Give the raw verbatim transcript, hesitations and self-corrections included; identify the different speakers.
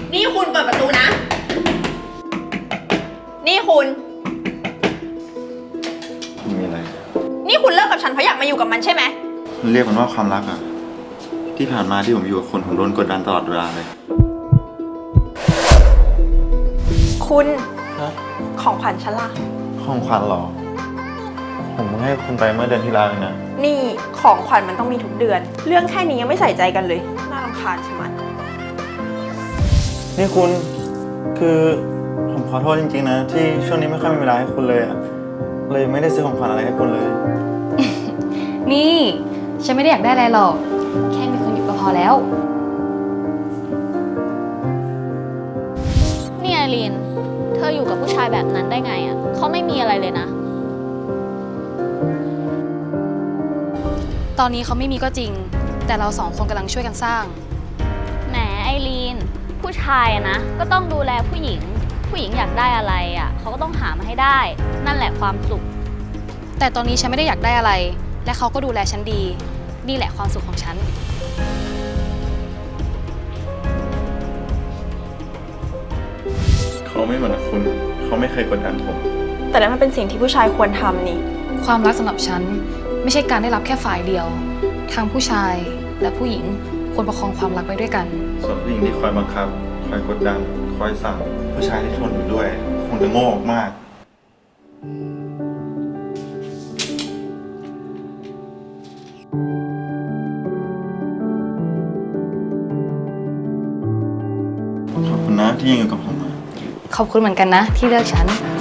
Speaker 1: นี่คุณเปิดประตูนะ นี่คุณ
Speaker 2: มีอะไร
Speaker 1: นี่คุณเลิกกับฉันเพราะอยากมาอยู่กับมันใช่ไหม
Speaker 2: เรียกมันว่าความรักอะที่ผ่านมาที่ผมอยู่กับคนผมโดนกดดันตลอดเวลาเลย
Speaker 1: คุณ
Speaker 2: ฮะ
Speaker 1: ของขวัญฉันล่ะ
Speaker 2: ของขวัญเหรอ ผมให้คุณไปเมื่อเดือนที่แล้วเองนะ
Speaker 1: นี่ของขวัญมันต้องมีทุกเดือน เรื่องแค่นี้ยังไม่ใส่ใจกันเลย น่ารำคาญใช่ไหม
Speaker 2: นี่คุณคือผมขอโทษจริงๆนะ ที่ช่วงนี้ไม่ค่อยมีเวลาให้คุณเลยอะเลยไม่ได้ซื้อของขวัญอะไรให้คุณเลย
Speaker 3: นี่ฉันไม่ได้อยากได้อะไรหรอก แค่มีคนอยู่ก็พอแล้ว
Speaker 4: นี่ไอรีน เธออยู่กับผู้ชายแบบนั้นได้ไงอ่ะ เขาไม่มีอะไรเลยนะ
Speaker 3: ตอนนี้เขาไม่มีก็จริง แต่เราสองคนกำลังช่วยกันสร้าง
Speaker 4: แหมไอรีน ผู้ชายอะนะ ก็ต้องดูแลผู้หญิง ผู้หญิงอยากได้อะไรอ่ะ เขาก็ต้องหามาให้ได้ นั่นแหละความสุข
Speaker 3: แต่ตอนนี้ฉันไม่ได้อยากได้อะไร และเขาก็ดูแลฉันดี นี่แหละความสุขของฉัน
Speaker 2: เขาไม่เหมือนคุณ เขาไม่เคยกดดันผม
Speaker 1: แต่นั้นมันเป็นสิ่งที่ผู้ชายควรทำนี่
Speaker 3: ความรักสำหรับฉันไม่ใช่การได้รับแค่ฝ่ายเดียว ทั้งผู้ชายและผู้หญิงควรประคองความรักไว้ด้วยกัน
Speaker 2: ส่วนผู้หญิงที่คอยบังคับ คอยกดดัน คอยสั่ง ผู้ชายที่ทนอยู่ด้วย คงจะโง่มาก ขอบคุณนะที่ยังอยู่กับผม
Speaker 3: ขอบคุณเหมือนกันนะที่เลือกฉัน